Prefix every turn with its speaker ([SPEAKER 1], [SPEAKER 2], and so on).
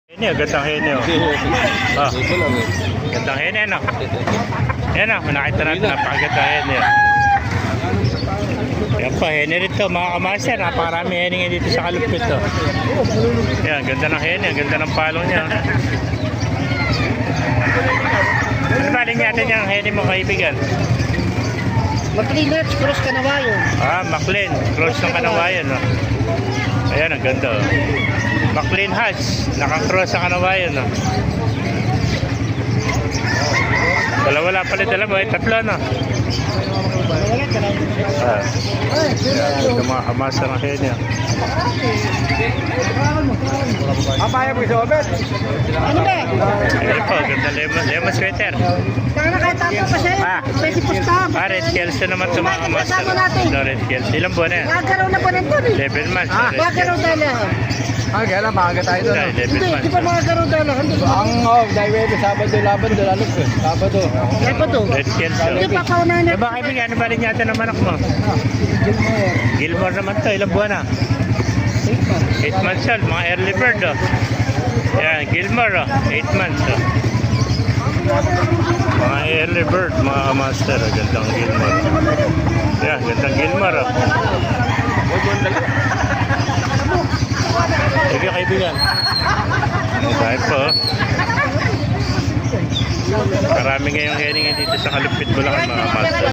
[SPEAKER 1] Hene, gandang hene oh. Oh,
[SPEAKER 2] Ito lang eh.
[SPEAKER 1] gandang hene no. Yan oh, nakita natin napakagandang hene. Yan pa, hene rin to mga kamaster. Napakarami hene nga dito sa kalupit to. Yan, ganda ng hene, ganda ng palong niya. Ano ba rin natin yung hene mo kaibigan?
[SPEAKER 3] Mag-cleaners, cross kanawayon.
[SPEAKER 1] Ah, McLean, cross ng kanawayan no. Ayan, ang ganda oh. McLean Hatch, naka-cross ang kanawayan no. Wala pala dalawa, tatlo no. Ah, ito mga kamasa ng hene.
[SPEAKER 2] Papaya mo sa obet.
[SPEAKER 3] Ano ba?
[SPEAKER 1] Ayan po, ganda lemon sweater.
[SPEAKER 3] Sana kahit tapo pa sa'yo.
[SPEAKER 1] Ah.
[SPEAKER 3] Pwede pustahan.
[SPEAKER 1] Ah, Red Kelso naman ito mga kamasa. No, Red Kelso. Ilang buwan na yan?
[SPEAKER 3] Nagkaraw na po nito.
[SPEAKER 1] 11 months.
[SPEAKER 2] Ah,
[SPEAKER 1] Red
[SPEAKER 3] Nagkaraw
[SPEAKER 1] Kelso.
[SPEAKER 3] dala.
[SPEAKER 2] Kaya lang, maaga tayo doon.
[SPEAKER 1] Yeah, 11
[SPEAKER 3] Hindi, di
[SPEAKER 1] months.
[SPEAKER 3] pa nagkaraw dala.
[SPEAKER 2] Dahil Webe, Sabado, Labando, Lalok eh. Sabado.
[SPEAKER 3] Kaya pa to.
[SPEAKER 1] Red Kelso.
[SPEAKER 3] Hindi pa paunahan
[SPEAKER 1] Eh
[SPEAKER 3] na.
[SPEAKER 1] baka ibigay, ano ba rin yata ng manok mo? Gilmore naman to, ilang buwan na? 8 months old, mga early bird oh. Yan, Gilmore oh, 8 months oh. Mga early bird, mga master oh, gandang Gilmore. Yan, gandang Gilmore oh. Sige kaibigan. Dahil po oh. Marami ngayong hening dito sa Kalupit Bulacan mga master.